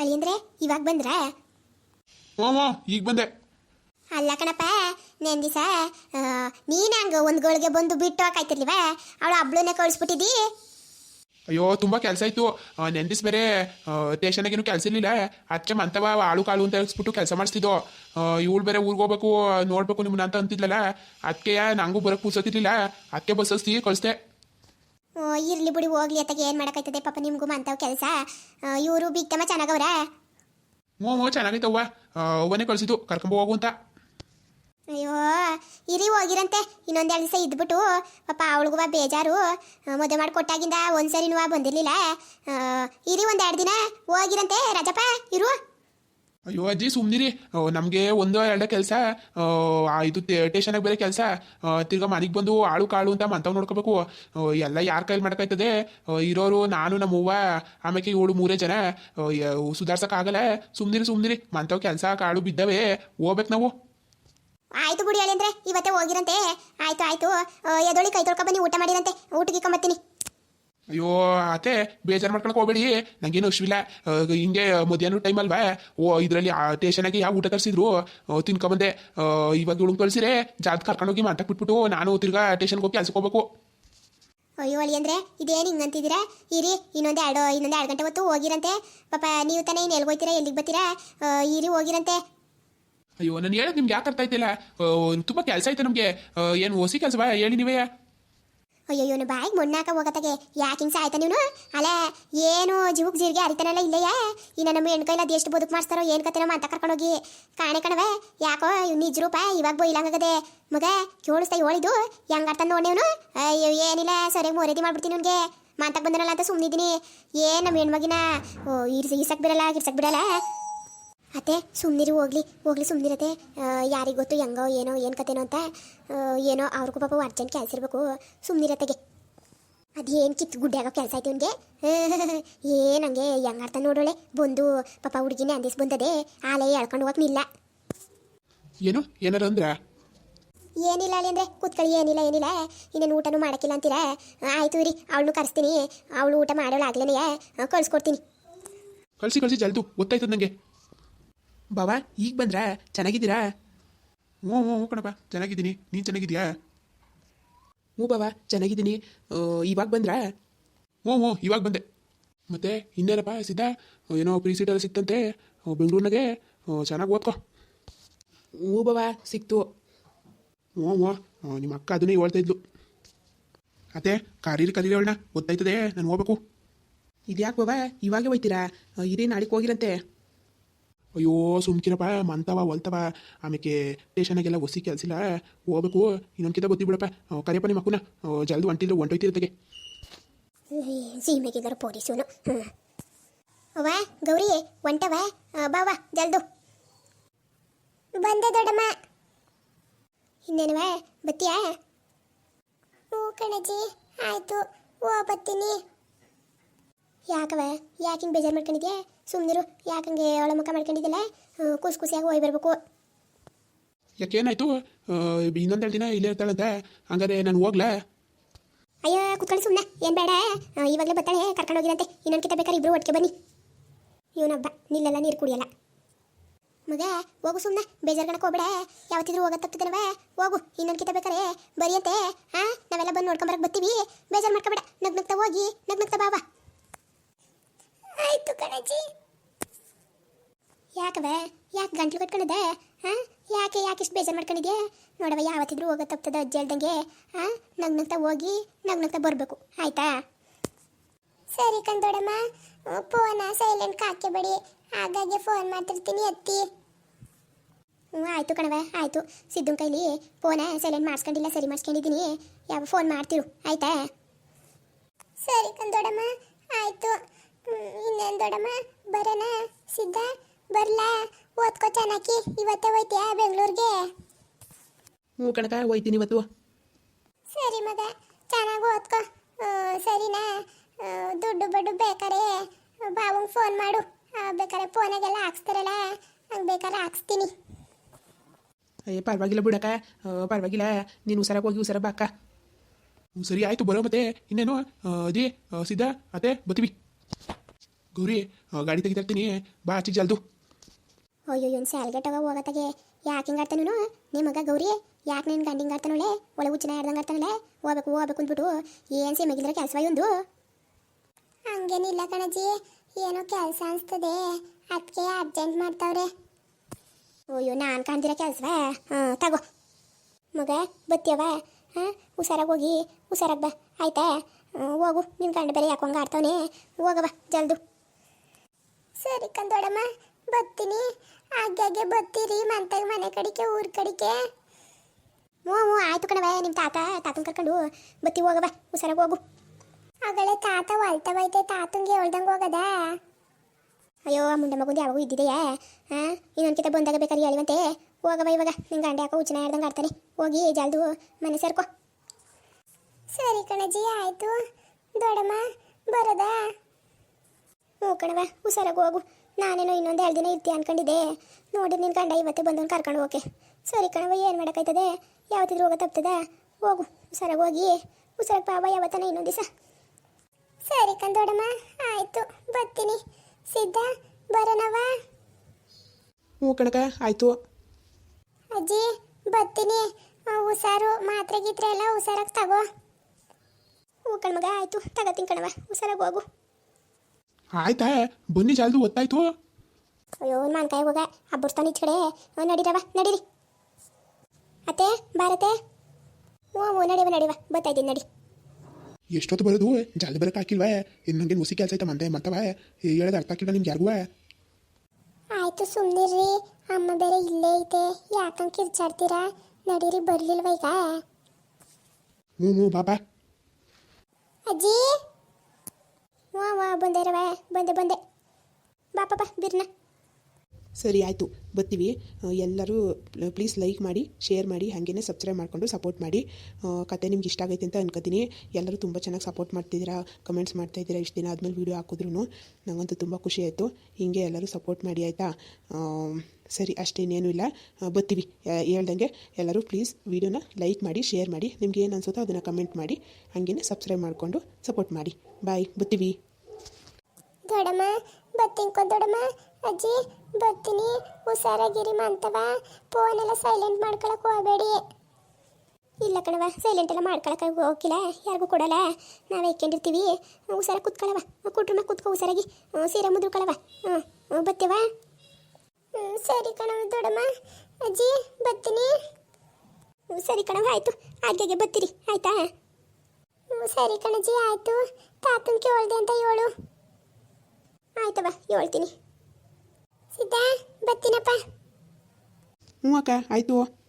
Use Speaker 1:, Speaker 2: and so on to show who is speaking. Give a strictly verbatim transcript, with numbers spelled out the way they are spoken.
Speaker 1: ಅಳಿಯಂದ್ರೆ ಇವಾಗ ಬಂದ್ರ?
Speaker 2: ಹ್ಞೂ ಹ್ಞೂ ಈಗ ಬಂದೆ.
Speaker 1: ಅಲ್ಲ ಕಣಪ್ಪ, ನೆನ್ ದಿವಸ ನೀನು ಹಂಗೆ ಒಂದು ಗಳಿಗೆ ಬಂದು ಬಿಟ್ಟು ಹಾಕಾಯ್ತಿರ್ಲಿವ, ಅವಳು ಹಬ್ಳನ್ನೇ ಕಳಿಸ್ಬಿಟ್ಟಿದ್ದಿ.
Speaker 2: ಅಯ್ಯೋ ತುಂಬ ಕೆಲಸ ಇತ್ತು. ನೆಂದಿಸ್ ಬೇರೆ ಸ್ಟೇಷನಾಗೇನು ಕೆಲಸ ಇರಲಿಲ್ಲ. ಅದಕ್ಕೆ ಮಂತವ ಆಳು ಕಾಳು ಅಂತ ಹೇಳಿಸ್ಬಿಟ್ಟು ಕೆಲಸ ಮಾಡಿಸ್ತಿದ್ದೋ. ಇವಳು ಬೇರೆ ಊರಿಗೆ ಹೋಗ್ಬೇಕು ನೋಡ್ಬೇಕು ನಿಮ್ಮನ್ನ ಅಂತ ಅಂತಿದ್ಲಲ್ಲ, ಅದಕ್ಕೆ ನಂಗೂ ಬರೋಕ್ಕೆ ಪೂಸತ್ತಿರ್ಲಿಲ್ಲ. ಅದಕ್ಕೆ ಬಸ್ ಹಸ್ತಿ ಕಳಿಸ್ದೆ.
Speaker 1: ಓ ಇರ್ಲಿ ಬಿಡಿ, ಹೋಗ್ಲಿ ಅತ್ತಾಗೆ ಏನು ಮಾಡೋಕ್ಕಾಯ್ತದೆ ಪಾಪ ನಿಮಗೂ ಮಂತವ್ ಕೆಲಸ. ಇವರು ಬಿಗ್ತಮ್ಮ ಚೆನ್ನಾಗವ್ರ?
Speaker 2: ಹ್ಞೂ ಹ್ಞೂ ಚೆನ್ನಾಗೈತವ್ವ. ಅವನೇ ಕಳಿಸಿದ್ದು ಕರ್ಕೊಂಬ ಹೋಗು ಅಂತ.
Speaker 1: ಅಯ್ಯೋ ಇರಿ ಹೋಗಿರಂತೆ, ಇನ್ನೊಂದೆರಡು ದಿವಸ ಇದ್ಬಿಟ್ಟು ಪಾಪ ಅವಳಿಗೂ ಬೇಜಾರು. ಮದುವೆ ಮಾಡಿ ಕೊಟ್ಟಾಗಿಂದ ಒಂದ್ಸರಿನೂ ಬಂದಿರಲಿಲ್ಲ. ಇರಿ ಒಂದೆರಡು ದಿನ ಹೋಗಿರಂತೆ ರಾಜಪ್ಪ, ಇರು.
Speaker 2: ಅಯ್ಯೋ ಅಜ್ಜಿ ಸುಮ್ಮನಿರಿ, ನಮಗೆ ಒಂದು ಎರಡೇ ಕೆಲಸ. ಇದು ಸ್ಟೇಷನಾಗ ಬೇರೆ ಕೆಲಸ. ತಿರ್ಗಾ ಮನೆಗೆ ಬಂದು ಆಳು ಕಾಳು ಅಂತ ಮಂತವ್ ನೋಡ್ಕೋಬೇಕು. ಎಲ್ಲ ಯಾರ ಕೈಲಿ ಮಾಡೋಕ್ಕಾಯ್ತದೆ? ಇರೋರು ನಾನು ನಮ್ಮವ್ವ ಆಮೇಲೆ ಏಳು ಮೂರೇ ಜನ. ಸುಧಾರ್ಸೋಕ್ಕಾಗಲ್ಲ. ಸುಮ್ಮನಿರಿ ಸುಮ್ಮನಿರಿ, ಮಂತವ್ ಕೆಲಸ ಕಾಳು ಬಿದ್ದವೆ, ಹೋಗ್ಬೇಕು ನಾವು.
Speaker 1: ಆಯ್ತು ಬಿಡಿ ಹೇಳಿ ಅಂದ್ರೆ ಇವತ್ತೇ ಹೋಗಿರಂತೆ. ಆಯ್ತು ಆಯ್ತು, ಎದೊಳಿ ಕೈ ತೊಳ್ಕೊ ಬನ್ನಿ, ಊಟ ಮಾಡಿರಂತೆ, ಊಟಕ್ಕೆ ಕಂಬತ್ತೀನಿ.
Speaker 2: ಅಯ್ಯೋ ಅತ್ತೆ ಬೇಜಾರು ಮಾಡ್ಕೊಳಕ್ ಹೋಗ್ಬೇಡಿ, ನಂಗೇನು ಅಶ್ವಿಲ್ಲ. ಹಿಂಗೆ ಮಧ್ಯಾಹ್ನ ಟೈಮ್ ಅಲ್ವಾ? ಓ ಇದರಲ್ಲಿ ಸ್ಟೇಷನಾಗಿ ಯಾವ ಊಟ ತರಿಸಿದ್ರು ತಿನ್ಕೊಂಬಂದೆ. ಇವಾಗ ಇವಳು ಕಳಿಸಿರೆ ಜಾತ್ ಕರ್ಕೊಂಡೋಗಿ ಮಂಟಕ್ಕೆ ಬಿಟ್ಬಿಟ್ಟು ನಾನು ತಿರ್ಗಾ ಸ್ಟೇಷನ್ಗೆ ಹೋಗಿ ಕೆಲ್ಸಕ್ಕೆ ಹೋಗ್ಬೇಕು.
Speaker 1: ಅಯ್ಯೋ ಅಳಿ ಅಂದ್ರೆ ಇದೇನು ಹಿಂಗಂತಿದ್ದೀರಾ? ಇರಿ ಇನ್ನೊಂದು ಎರಡು ಇನ್ನೊಂದು ಎರಡು ಗಂಟೆ ಹೊತ್ತು ಹೋಗಿರಂತೆ. ಪಾಪ ನೀವು ತಾನೇ ಇನ್ನು ಎಲ್ಲಿಗೆ ಹೋಗ್ತೀರಾ, ಎಲ್ಲಿಗೆ ಬರ್ತೀರಾ? ಇರಿ ಹೋಗಿರಂತೆ.
Speaker 2: ಅಯ್ಯೋ ನಾನು ಹೇಳೋದು ನಿಮ್ಗೆ ಯಾಕೆ ಅರ್ಥ ಆಯ್ತಿಲ್ಲ? ತುಂಬ ಕೆಲಸ ಐತೆ ನಮಗೆ. ಏನು ಹೊಸಿ ಕೆಲಸವಾ ಹೇಳಿ ನೀವೇ?
Speaker 1: ಅಯ್ಯೋ ಇವನು ಬಾಯಿಗೆ ಮೊಣ್ಣಾಕ ಹೋಗತ್ತಾಗೆ ಯಾಕೆ ಹಿಂಗೆ ಆಯ್ತಾ ನೀವು? ಅಲ್ಲ ಏನು ಜೀವಕ್ಕೆ ಜೀರಿಗೆ ಅರಿತಾನಲ್ಲ ಇಲ್ಲಯ್ಯ. ಇನ್ನು ನಮ್ಮ ಹೆಣ್ಕೈಲ ಅದು ಎಷ್ಟು ಬದುಕು ಮಾಡಿಸ್ತಾರೋ ಏನು ಕತೆ ನಮ್ಮ ಅಂತ ಕರ್ಕೊಂಡೋಗಿ ಕಾಣೆ ಕಣವೆ. ಯಾಕೋ ಇವ್ನು ನಿಜ ರೂಪ ಇವಾಗ ಬೈಲಂಗಾಗದೆ ಮಗ ಕೇಳಿಸ್ತಾ ಹೇಳಿದ್ದು ಹೆಂಗೆ ಅರ್ಥ ನೋಡೇವನು? ಅಯ್ಯೋ ಏನಿಲ್ಲ, ಸರಿಯಾಗಿ ಮೋರೇದಿ ಮಾಡ್ಬಿಡ್ತೀನಿ ಅವ್ನಿಗೆ. ಮಾತಾಕ್ ಬಂದನಲ್ಲ ಅಂತ ಸುಮ್ಮನಿದ್ದೀನಿ. ಏನು ನಮ್ಮ ಹೆಣ್ಮಗಿನ ಓ ಇರ್ಸ ಇರ್ಸಕ್ಕೆ ಬಿಡಲ್ಲ ಗಿರ್ಸಕ್ಕೆ ಬಿಡಲ್ಲ. ಅತ್ತೆ ಸುಮ್ಮನಿರಿ, ಹೋಗ್ಲಿ ಹೋಗ್ಲಿ ಸುಮ್ಮನಿರತ್ತೆ. ಯಾರಿಗೆ ಗೊತ್ತು ಹೆಂಗೋ ಏನೋ ಏನು ಕತೆನೋ ಅಂತ. ಏನೋ ಅವ್ರಿಗೂ ಪಾಪ ಅರ್ಜೆಂಟ್ ಕೆಲಸ ಇರಬೇಕು. ಸುಮ್ಮನಿರತ್ತೆಗೆ ಅದೇನು ಕಿತ್ತು ಗುಡ್ಡೆ ಆಗೋ ಕೆಲಸ ಆಯ್ತು ಇವನಿಗೆ. ಏನಂಗೆ ಹೆಂಗೆ ಅರ್ಥ ನೋಡೋಳೆ ಬಂದು ಪಾಪ ಹುಡುಗಿನೇ ಅಂದಿಸ್ ಬಂದದೆ ಆಲೇ ಹೇಳ್ಕೊಂಡು ಹೋಗಕ್ಕೆ ನಿಲ್ಲ.
Speaker 2: ಏನು ಏನಾರ ಅಂದ್ರ?
Speaker 1: ಏನಿಲ್ಲ ಅಲ್ಲಿ ಅಂದರೆ ಕೂತ್ಕೊಳ್ಳಿ, ಏನಿಲ್ಲ ಏನಿಲ್ಲ. ಇನ್ನೇನು ಊಟನೂ ಮಾಡೋಕ್ಕಿಲ್ಲ ಅಂತೀರಾ? ಆಯಿತು ಇರಿ, ಅವಳನ್ನು ಕರೆಸ್ತೀನಿ. ಅವಳು ಊಟ ಮಾಡೋಳು ಆಗ್ಲೇನೆಯೇ ಕಳಿಸ್ಕೊಡ್ತೀನಿ.
Speaker 2: ಕಳಿಸಿ ಕಳಿಸಿ ಜಲ್ದು ಗೊತ್ತಾಯ್ತದ ನನಗೆ. ಬಾವಾ ಈಗ ಬಂದ್ರಾ? ಚೆನ್ನಾಗಿದ್ದೀರಾ? ಹ್ಞೂ ಹ್ಞೂ ಹ್ಞೂ ಕಣಪ್ಪ ಚೆನ್ನಾಗಿದ್ದೀನಿ. ನೀನು ಚೆನ್ನಾಗಿದ್ಯಾ? ಹ್ಞೂ ಬಾವಾ ಚೆನ್ನಾಗಿದ್ದೀನಿ. ಇವಾಗ ಬಂದ್ರಾ? ಹ್ಞೂ ಹ್ಞೂ ಇವಾಗ ಬಂದೆ. ಮತ್ತೆ ಇನ್ನೇನಪ್ಪ ಸಿದ್ಧ, ಏನೋ ಪ್ರೀ ಸೀಟೆಲ್ಲ ಸಿಕ್ತಂತೆ ಬೆಂಗಳೂರಿನಾಗೆ, ಚೆನ್ನಾಗಿ ಓದ್ಕೊ. ಹ್ಞೂ ಬಾವಾ ಸಿಕ್ತು. ಹ್ಞೂ ಹ್ಞೂ ನಿಮ್ಮ ಅಕ್ಕ ಅದನ್ನೇ ಹೇಳ್ತಾ ಇದ್ಲು. ಅತ್ತೆ ಕರೀರಿ ಕರೀರಿ ಅವಳನ್ನ, ಗೊತ್ತಾಯ್ತದೆ ನಾನು ಹೋಗ್ಬೇಕು. ಇದ್ಯಾಕೆ ಬಾವಾ ಇವಾಗೇ ಹೋಯ್ತೀರಾ? ಇರಿ ನಾಳೆಗೆ ಹೋಗಿರಂತೆ. ಅಯ್ಯೋ ಸುಮ್ಕಿರಪ್ಪ, ಮಂತವ ಹೊಲ್ತವ ಆಮೇಲೆ ಸ್ಟೇಷನಾಗೆಲ್ಲ ಹೊಸಿ ಕೆಲಸಿಲ್ಲ, ಹೋಗ್ಬೇಕು. ಇನ್ನೊಂದ್ಕಿಂತ ಗೊತ್ತಿ ಬಿಡಪ್ಪ. ಕರಿಯಪ್ಪ ನಿಮ್ಮ ಮಕ್ಕನ ಜಲ್ದು ಹೊಂಟಿದ್ರೆ ಹೊಂಟೋಯ್ತಿರತ್ತೆಗೆ.
Speaker 1: ಸೀಮೆಗಿದ್ದಾರೆ ಪೊಲೀಸನು. ಹ್ಞೂ ಅವ್ವ ಗೌರಿ ಹೊಂಟವ ಬಾವ ಜಲ್ದು. ಬಂದೆ ದೊಡ್ಡಮ್ಮ. ಇನ್ನೇನವ ಬತ್ತೀಯಾ? ಹ್ಞೂ ಕಣಜ್ಜಿ ಆಯಿತು, ಓ ಬತ್ತೀನಿ. ಯಾಕವ ಯಾಕೆ ಹಿಂಗೆ ಬೇಜಾರು ಮಾಡ್ಕೊಂಡಿದ್ಯಾ? ಸುಮ್ಮನಿರು, ಯಾಕಂಗೆ ಅವಳ ಮುಖ ಮಾಡ್ಕೊಂಡಿದ್ದಲ್ಲ. ಖುಷಿ ಖುಷಿಯಾಗಿ ಹೋಗಿ ಬರಬೇಕು.
Speaker 2: ಯಾಕೇನಾಯ್ತು? ಇನ್ನೊಂದೆರಡು ದಿನ ಇಲ್ಲೇ ಇರ್ತಾಳಂತೆ, ಹಂಗಾರೆ ನಾನು ಹೋಗ್ಲಾ?
Speaker 1: ಅಯ್ಯೋ ಕುತ್ಕೊಳ್ಳಿ ಸುಮ್ಮನೆ, ಏನು ಬೇಡ. ಇವಾಗಲೇ ಬರ್ತಾಳೆ, ಕರ್ಕೊಂಡು ಹೋಗಿರಂತೆ. ಇನ್ನೊಂದು ಕಿತ್ತ ಬೇಕಾದ್ರೆ ಇಬ್ಬರು ಒಟ್ಟಿಗೆ ಬನ್ನಿ. ಇವನೊಬ್ಬ ನಿಲ್ಲೆಲ್ಲ ನೀರು ಕುಡಿಯಲ್ಲ. ಮಗ ಹೋಗು ಸುಮ್ಮನೆ, ಬೇಜಾರ್ಗಣಕ್ಕೆ ಹೋಗ್ಬೇಡ. ಯಾವತ್ತಿದ್ರು ಹೋಗೋದು ತಪ್ಪಿದನವ, ಹೋಗು. ಇನ್ನೊಂದು ಕಿತ್ತ ಬೇಕಾರೆ ಬರಿಯಂತೆ. ಹಾಂ ನಾವೆಲ್ಲ ಬಂದು ನೋಡ್ಕೊಂಬರಕ್ಕೆ ಬರ್ತೀವಿ, ಬೇಜಾರು ಮಾಡ್ಕೊಬೇಡ. ನಗ್ ನಗ್ತಾ ಹೋಗಿ ನಗ್ ನಗ್ತಾ ಬಾವ. ಆಯ್ತು ಕಣಜ್ಜಿ. ಯಾಕವ ಯಾಕೆ ಗಂಟ್ಲು ಕಟ್ಕೊಂಡಿದ್ದೆ? ಹಾಂ ಯಾಕೆ ಯಾಕೆ ಇಷ್ಟು ಬೇಜಾರು ಮಾಡ್ಕೊಂಡಿದ್ಯಾ? ನೋಡವ ಯಾವತ್ತಿದ್ರು ಹೋಗೋ ತಪ್ತದ ಅಜ್ಜಿ ಹೇಳ್ದಂಗೆ. ಹಾಂ ನಗ್ ನಗ್ತಾ ಹೋಗಿ ನಗ್ ನಗ್ತಾ ಬರಬೇಕು, ಆಯ್ತಾ? ಸರಿ ಕಂದೋಡಮ್ಮ, ಫೋನ ಸೈಲೆಂಟ್ ಹಾಕಬೇಡಿ, ಹಾಗಾಗಿ ಫೋನ್ ಮಾಡ್ತಿರ್ತೀನಿ ಅತ್ತಿ. ಹ್ಞೂ ಆಯಿತು ಕಣವ ಆಯಿತು. ಸಿದ್ದು ಕೈಲಿ ಫೋನ ಸೈಲೆಂಟ್ ಮಾಡಿಸ್ಕೊಂಡಿಲ್ಲ, ಸರಿ ಮಾಡಿಸ್ಕೊಂಡಿದ್ದೀನಿ. ಯಾವ ಫೋನ್ ಮಾಡ್ತಿರು, ಆಯ್ತಾ? ಸರಿ ಕಂದೋಡಮ್ಮ ಆಯಿತು. ಇನ್ನೇನು ದೊಡ್ಡಮ್ಮ ಬರೋಣ? ಸಿದ್ಧ ಬರ್ಲಾ? ಓದ್ಕೋ ಚೆನ್ನಾಗಿ, ಇವತ್ತೇ ಹೋಯ್ತೀಯಾ ಬೆಂಗಳೂರಿಗೆ?
Speaker 2: ಹ್ಞೂ ಕಣಕ ಹೋಯ್ತೀನಿ ಇವತ್ತು.
Speaker 1: ಸರಿ ಮಗ ಚೆನ್ನಾಗಿ ಓದ್ಕೋ, ಸರಿನಾ? ದುಡ್ಡು ಬಡ್ಡು ಬೇಕಾರೆ ಬಾವಂಗೆ ಫೋನ್ ಮಾಡು, ಬೇಕಾರೆ ಫೋನಾಗೆಲ್ಲ ಹಾಕ್ಸ್ತಾರಲ್ಲ ಹಂಗೆ ಬೇಕಾದ್ರೆ ಹಾಕ್ಸ್ತೀನಿ.
Speaker 2: ಅಯ್ಯ ಪರವಾಗಿಲ್ಲ ಬಿಡಕ್ಕ, ಪರವಾಗಿಲ್ಲ. ನೀನು ಹುಷಾರಾಗಿ ಹೋಗಿ ಹುಷಾರ ಬಾಕ್ಕ. ಹ್ಞೂ ಸರಿ ಆಯಿತು ಬರೋ. ಮತ್ತೆ ಇನ್ನೇನು ಅದೇ ಸಿದ್ಧ ಅತ್ತೆ ಬರ್ತೀವಿ. ಗೌರಿ ಆ, ಗಾಡಿ ತೆಗಿತಾರ್ತೀನಿ ಬಾ ಆಚೆಗೆ ಜಲ್ದು.
Speaker 1: ಅಯ್ಯೋ ಇವ್ನು ಸ್ಯಾಲ್ಗಟ್ಟವ ಹೋಗತ್ತಾಗೆ ಯಾಕೆ ಹಿಂಗಾಡ್ತಾನು ನಿಮ್ಮ ಮಗ ಗೌರಿ ಯಾಕೆ ನಿನ್ನ ಗಂಡ ಹಿಂಗಾಡ್ತಾನಳೆ ಒಳ ಹುಚ್ಚಿನ ಹಿಡ್ದಂಗೆ ಆಡ್ತಾನಳೆ ಹೋಗ್ಬೇಕು ಹೋಗ್ಬೇಕು ಅಂದ್ಬಿಟ್ಟು ಏನು ಸಿಮಗಿದ್ರೆ ಕೆಲಸ ಒಂದು ಹಂಗೇನಿಲ್ಲ ಕಣಜ್ಜಿ ಏನೋ ಕೆಲಸ ಅನಿಸ್ತದೆ ಅದಕ್ಕೆ ಅರ್ಜೆಂಟ್ ಮಾಡ್ತಾವ್ರೆ. ಅಯ್ಯೋ ನಾನು ಕಾಣ್ದಿರೋ ಕೆಲಸವಾ ಹಾಂ ತಗೋ ಮಗ ಬತ್ತಿಯವ ಹಾಂ ಹುಷಾರಾಗಿ ಹೋಗಿ ಹುಷಾರಾಗಿ ಬಾ ಆಯ್ತಾ ಹೋಗು ನಿನ್ನ ಗಂಡ ಬೇರೆ ಯಾಕೆ ಹಂಗೆ ಆಡ್ತಾವನೆ ಹೋಗವ ಜಲ್ದು. ಸರಿ ಕಂದೋಡಮ್ಮ ಬರ್ತೀನಿ ಆಗಾಗೆ ಬರ್ತೀರಿ ಮಂತಾಗ ಮನೆ ಕಡಿಕೆ ಊರ ಕಡಿಕೆ. ಹ್ಞೂ ಹ್ಞೂ ಆಯ್ತು ಕಣವ ನಿಮ್ಮ ತಾತ ತಾತನ ಕರ್ಕೊಂಡು ಬತ್ತಿ ಹೋಗವ ಹುಷಾರಾಗಿ ಹೋಗು. ಆಗಳೇ ತಾತ ಹೊಲ್ತವೈತೆ ತಾತಂಗೆ ಹೇಳ್ದಂಗೆ ಹೋಗದ. ಅಯ್ಯೋ ಮುಂಡೆ ಮಗುಂದು ಯಾವಾಗೂ ಇದ್ದಿದೆಯಾ ಹಾಂ ಇನ್ನೊಂದ್ಕಿತ ಬಂದಾಗ ಬೇಕಾದ್ರೆ ಹೇಳಿವಂತೆ ಹೋಗವ ಇವಾಗ ನಿನ್ನ ಗಂಡ ಯಾಕೋ ಹುಚ್ಚಿನ ಹೇಳ್ದಂಗೆ ಆಡ್ತಾನೆ ಹೋಗಿ ಜಲ್ದು ಮನೆ ಸೇರ್ಕೊ. ಸರಿ ಕಣಜ್ಜಿ ಆಯಿತು ದೊಡ್ಡಮ್ಮ ಬರೋದಾ. ಹ್ಞೂ ಕಣವ ಹುಷಾರಾಗಿ ಹೋಗು ನಾನೇನೋ ಇನ್ನೊಂದು ಎರಡು ದಿನ ಇರ್ತೀಯ ಅನ್ಕೊಂಡಿದ್ದೆ ನೋಡಿ ನಿನ್ನ ಗಂಡ ಇವತ್ತೇ ಬಂದವನು ಕರ್ಕೊಂಡು ಹೋಕೆ. ಸರಿ ಕಣವ ಏನು ಮಾಡೋಕ್ಕಾಯ್ತದೆ ಯಾವತ್ತಿದ್ರು ಹೋಗೋ ತಪ್ತದ ಹೋಗು ಹುಷಾರಾಗಿ ಹೋಗಿ ಹುಷಾರಾಗಿ ಪಾವ ಯಾವತ್ತನ ಇನ್ನೊಂದು ದಿವಸ. ಸರಿ ಕಂದೋಡಮ್ಮ ಆಯಿತು ಬರ್ತೀನಿ ಸಿದ್ಧ ಬರೋಣವ.
Speaker 2: ಹ್ಞೂ ಕಣಕ ಆಯಿತು.
Speaker 1: ಅಜ್ಜಿ ಬರ್ತೀನಿ ಹುಷಾರು ಮಾತ್ರೆ ಗೀತ್ರೆ ಎಲ್ಲ ಹುಷಾರಾಗಿ ತಗೋ. ಹ್ಞೂ ಕಣ್ಮಗ ಆಯಿತು ತಗೋತೀನಿ ಕಣವ ಹುಷಾರಾಗಿ ಹೋಗು.
Speaker 2: ಆಯ್ತಾ ಬನ್ನಿ ಜಲ್ದು ಒತ್ತಾಯ್ತು.
Speaker 1: ಅಯ್ಯೋ ಮಾನ್ಕಾಯಿ ಹೋಗ ಹಬ್ಬರ್ತಾನೆ ಈಚ ಕಡೆ ನಡೀರವ ನಡೀರಿ ಅತ್ತೆ ಭಾರತೆ. ಹ್ಞೂ ಹ್ಞೂ ನಡಿವ ನಡಿವ ಬರ್ತಾಯಿದ್ದೀನಿ ನಡಿ.
Speaker 2: ಎಷ್ಟೊತ್ತು ಬರೋದು ಜಲ್ದಿ ಬರೋಕೆ ಹಾಕಿಲ್ವಾ ಇನ್ನು ನನಗೆ ಹುಸಿ ಕೆಲಸ ಆಯ್ತಾ ಮಂದೆ ಮತ್ತವ ಹೇಳೋದು ಅರ್ಥ ಆಗಿಲ್ಲ ನಿಮ್ಗೆ ಯಾರಿಗೂ.
Speaker 1: ಆಯಿತು ಸುಮ್ಮನಿರ್ರಿ ಅಮ್ಮ ಬೇರೆ ಇಲ್ಲೇ ಐತೆ ಯಾಕಂಗೆ ಕಿರ್ಚಾಡ್ತೀರಾ ನಡೀರಿ ಬರಲಿಲ್ವ ಈಗ.
Speaker 2: ಹ್ಞೂ ಹ್ಞೂ ಬಾಬಾ.
Speaker 1: ಅಜ್ಜಿ ಹ್ಞೂ ಹ್ಞೂ ಬಂದೆ ರವ ಬಂದೆ ಬಂದೆ ಬಾ ಪಾಪ ಬಿರ್ನ.
Speaker 2: ಸರಿ ಆಯಿತು ಬರ್ತೀವಿ. ಎಲ್ಲರೂ ಪ್ಲೀಸ್ ಲೈಕ್ ಮಾಡಿ ಶೇರ್ ಮಾಡಿ ಹಾಗೇನೆ ಸಬ್ಸ್ಕ್ರೈಬ್ ಮಾಡಿಕೊಂಡು ಸಪೋರ್ಟ್ ಮಾಡಿ. ಕತೆ ನಿಮ್ಗೆ ಇಷ್ಟ ಆಗೈತೆ ಅಂತ ಅನ್ಕೋತೀನಿ. ಎಲ್ಲರೂ ತುಂಬ ಚೆನ್ನಾಗಿ ಸಪೋರ್ಟ್ ಮಾಡ್ತಿದ್ದೀರಾ ಕಮೆಂಟ್ಸ್ ಮಾಡ್ತಾಯಿದ್ದೀರಾ ಇಷ್ಟು ದಿನ ಆದಮೇಲೆ ವೀಡಿಯೋ ಹಾಕಿದ್ರು ನನಗಂತೂ ತುಂಬ ಖುಷಿ ಆಯಿತು. ಹೀಗೆ ಎಲ್ಲರೂ ಸಪೋರ್ಟ್ ಮಾಡಿ ಆಯಿತಾ. ಸರಿ ಅಷ್ಟೇನೇನೂ ಇಲ್ಲ ಬರ್ತೀವಿ ಹೇಳ್ದಂಗೆ ಎಲ್ಲರೂ ಪ್ಲೀಸ್ ವೀಡಿಯೋನ ಲೈಕ್ ಮಾಡಿ ಶೇರ್ ಮಾಡಿ ನಿಮ್ಗೆ ಏನು ಅನ್ಸುತ್ತೋ ಅದನ್ನು ಕಮೆಂಟ್ ಮಾಡಿ ಹಾಗೇನೆ ಸಬ್ಸ್ಕ್ರೈಬ್ ಮಾಡಿಕೊಂಡು ಸಪೋರ್ಟ್ ಮಾಡಿ. ಬಾಯ್ ಬರ್ತೀವಿ.
Speaker 1: ದೊಡ್ಡಮ್ಮ ಬರ್ತೀನಿ ದೊಡ್ಡಮ್ಮ ಅಜ್ಜಿ ಬರ್ತೀನಿ ಹುಷಾರಾಗಿರಿ ಮಂತವ ಫೋನೆಲ್ಲ ಸೈಲೆಂಟ್ ಮಾಡ್ಕೊಳಕ್ಕೆ ಹೋಗಬೇಡಿ. ಇಲ್ಲ ಕಣವ ಸೈಲೆಂಟ್ ಎಲ್ಲ ಮಾಡ್ಕೊಳಕ್ಕೆ ಹೋಗಿಲ್ಲ ಯಾರಿಗೂ ಕೊಡಲ್ಲ ನಾವೇ ಇಕ್ಕೊಂಡಿರ್ತೀವಿ. ಹುಷಾರಾಗಿ ಕೂತ್ಕೊಳ್ಳವ ಕುಟ್ರನ್ನ ಕೂತ್ಕೊ ಹುಷಾರಾಗಿ ಸೀರೆ ಮುದ್ರಕೊಳ್ಳವ. ಹ್ಞೂ ಬತ್ತೇವ. ಹ್ಞೂ ಸರಿ ಕಣವ ದೊಡ್ಡಮ್ಮ ಅಜ್ಜಿ ಬರ್ತೀನಿ. ಹ್ಞೂ ಸರಿ ಕಣವ ಆಯಿತು ಆಗೆಗೆ ಬರ್ತೀರಿ ಆಯಿತಾ. ಹ್ಞೂ ಸರಿ ಕಣಜ್ಜಿ ಆಯಿತು ತಾತನ ಕೇಳ್ದೆ ಅಂತ ಹೇಳು. ಆಯ್ತವ ಹೇಳ್ತೀನಿ ಸಿದ್ಧ ಬರ್ತೀನಪ್ಪ.
Speaker 2: ಹ್ಞೂ ಅಕ್ಕ ಆಯಿತು.